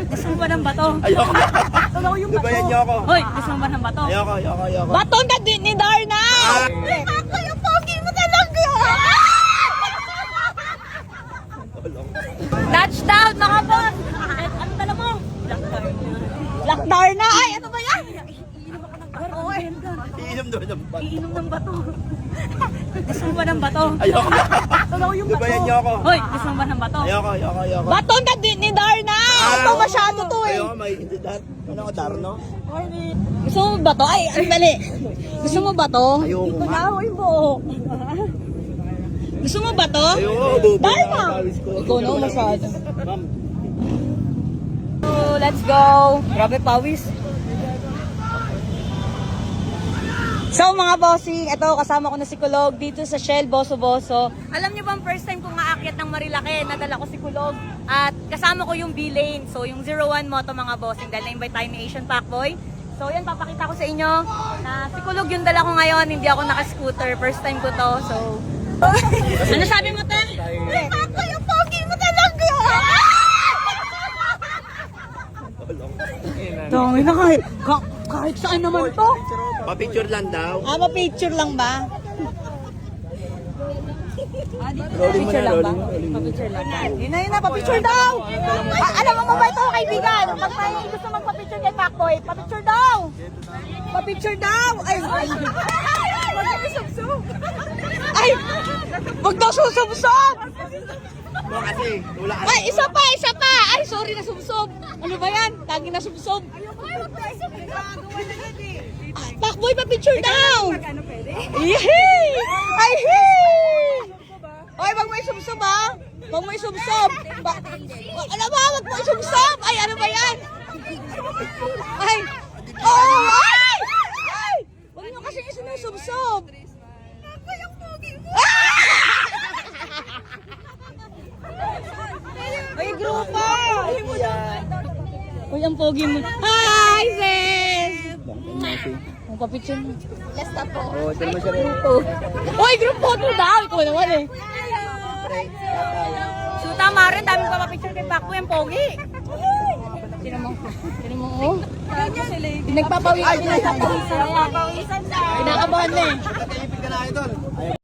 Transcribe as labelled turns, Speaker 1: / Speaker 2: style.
Speaker 1: Gusto mo ba ng bato?
Speaker 2: Ayoko.
Speaker 1: Tulaw yung bato.
Speaker 2: Lubayan niyo ako.
Speaker 1: Hoy, gusto mo ba ng bato?
Speaker 2: Ayoko.
Speaker 1: Bato na din ni Darna! Ako yung pogi mo talaga! Touchdown, mga boss! Ano tala mo? Black Darna! Ay, ano ba yan? Iinom ako ng bato.
Speaker 2: Iinom doon ng bato.
Speaker 1: Iinom ng bato. Gusto mo ba ng bato?
Speaker 2: Ayoko.
Speaker 1: Tulaw yung bato.
Speaker 2: Lubayan niyo ako.
Speaker 1: Hoy, gusto mo ba ng bato?
Speaker 2: Ayoko.
Speaker 1: Bato na din ni Darna! Ito masyado to eh.
Speaker 2: Ayoko, may hindi dat. Ano ko, Darno?
Speaker 1: Gusto mo ba to? Ay, ang dali. Gusto mo ba to?
Speaker 2: Ayoko nga.
Speaker 1: Ikaw yung buhok. Gusto mo ba to?
Speaker 2: Ayoko, bubo.
Speaker 1: Darna!
Speaker 2: Tawis ko.
Speaker 1: Ikaw na masyado.
Speaker 2: Ma'am.
Speaker 1: So, let's go. Grabe pawis. So mga bossing, ito kasama ko na si Kulog dito sa Shell Boso-Boso. Alam niyo ba ang first time kong aakyat ng Marilake, nadala ko si Kulog at kasama ko yung B-Lane. So yung 01 Moto mga bossing dahil na-invite tayo ni Asian Pacboy. So yan, papakita ko sa inyo na si Kulog yung dala ko ngayon, hindi ako naka-scooter. First time ko to, so... Ano sabi mo, te? Ako yung pogi mo talaga! Dami na kahit saan naman to.
Speaker 2: Pa-picture lang daw.
Speaker 1: Pa-picture lang ba?
Speaker 2: Rolling mo
Speaker 1: Picture
Speaker 2: na,
Speaker 1: lang ba?
Speaker 2: rolling mo.
Speaker 1: Pa-picture lang ba? Yun na, pa-picture daw! Alam mo ba ito, kaibigan? Pag may gusto magpa-picture kay Pacboy, pa-picture daw! Pa-picture daw! Ay! Ay! Wag daw susubsob!
Speaker 2: No, kasi wala ka.
Speaker 1: Ay, isa pa! Ay, sorry na subsob! Ano ba yan? Lagi na subsob! Pacboy, pa-picture daw! Yehey! Ay, hey! Oy, wag mo isubsob ha! Wag mo isubsob! Alam mo, wag mo isubsob! Ay, ano ba yan? Ay! Oh! Ay! Ay! Wag nyo kasi isinusubsob! Ako yung pogi mo! Ay, grupo! Uy, ang pogi mo. Hi, sis! Ang papicture mo. Lasta po.
Speaker 2: Oo, ito naman siya rin.
Speaker 1: Uy, group photo daw! Ikaw naman eh. Shoot tama rin, daming pa papicture kay Pacboy, ang pogi. Sino mo, oh? Nagpapawisan na yan. Kinakabahan na eh.
Speaker 2: Katayipid ka na, idol.